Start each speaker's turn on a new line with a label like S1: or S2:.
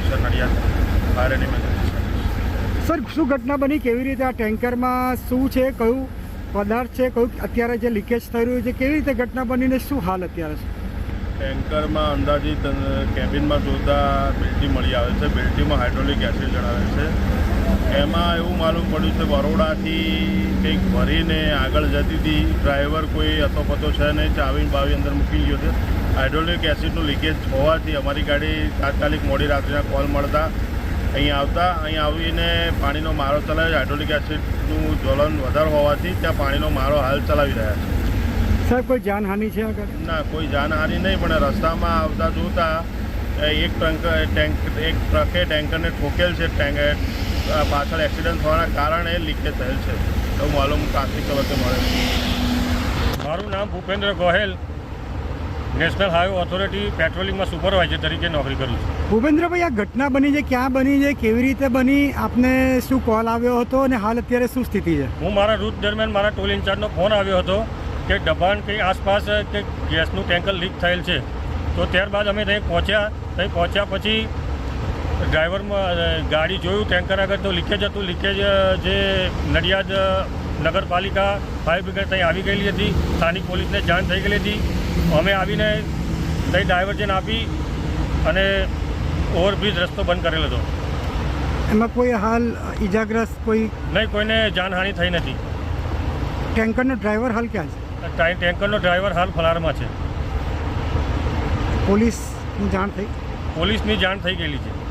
S1: Sir Nadiad fire and emergency service.
S2: Sir, શું ઘટના બની, કેવી રીતે આ ટેન્કરમાં શું છે, કયું પદાર્થ છે, કયું અત્યારે જે લીકેજ થઈ રહ્યું છે, કેવી રીતે ઘટના બનીને શું હાલ અત્યારે છે?
S1: ટેન્કરમાં અંદાજિત કેબિનમાં જોતા બેલ્ટી મળી આવે છે। બેલ્ટીમાં હાઇડ્રોલિક એસિડ જણાવે છે। એમાં એવું માલુમ પડ્યું છે બરોડાથી કંઈક ભરીને આગળ જતી હતી। ડ્રાઈવર કોઈ અથોપતો છે નહીં, ચાવી બાવી અંદર મૂકી ગયો છે। હાઇડ્રોલિક એસિડનું લીકેજ હોવાથી અમારી ગાડી તાત્કાલિક મોડી રાત્રિના કોલ મળતા અહીંયા આવીને પાણીનો મારો ચલાવ્યો। હાઇડ્રોલિક એસિડનું જ્વલન વધારે હોવાથી ત્યાં પાણીનો મારો હાલ ચલાવી રહ્યા છે।
S2: સાહેબ, કોઈ જાનહાનિ છે આગળ?
S1: ના, કોઈ જાનહાનિ નહીં, પણ રસ્તામાં આવતા જોતા એક ટ્રકે ટેન્કરને ઠોકેલ છે। પાછળ એક્સિડન્ટ થવાના કારણે લીકેજ થયેલ છે એવું માલુમ પ્રાથમિક તબક્કે મળે છે।
S3: મારું નામ Bhupendra Gohel, national highway authority પેટ્રોલિંગમાં સુપરવાઇઝર તરીકે નોકરી કરું છું।
S2: ભૂપેન્દ્રભાઈ, આ ઘટના બની છે, ક્યાં બની છે, કેવી રીતે બની, આપને શું કોલ આવ્યો હતો અને હાલ અત્યારે શું સ્થિતિ છે?
S3: હું મારા રૂટ દરમિયાન મારા ટોલ ઇન્ચાર્જનો ફોન આવ્યો હતો કે દબાણ કંઈ આસપાસ કે ગેસનું ટેન્કર લીક થયેલ છે। તો ત્યારબાદ અમે ત્યાં પહોંચ્યા પછી ડ્રાઈવરમાં ગાડી જોયું ટેન્કર આગળ તો લીકેજ હતું। લીકેજ જે નડિયાદ નગરપાલિકા ફાયર બ્રિગેડ ત્યાં આવી ગયેલી હતી, સ્થાનિક પોલીસને જાણ થઈ ગયેલી હતી। અમે આવીને ત્યાં ડાયવર્જન આપી અને ઓવરબ્રિજ રસ્તો બંધ કરેલો હતો।
S2: એમાં કોઈ હાલ ઈજાગ્રસ્ત કોઈ
S3: નહીં, કોઈને જાનહાનિ થઈ નથી।
S2: ટેન્કરનો ડ્રાઈવર હાલ ક્યાં છે?
S3: ટેન્કરનો ડ્રાઈવર હાલ ફલારમાં છે।
S2: પોલીસની જાણ થઈ?
S3: પોલીસની જાણ થઈ ગયેલી છે।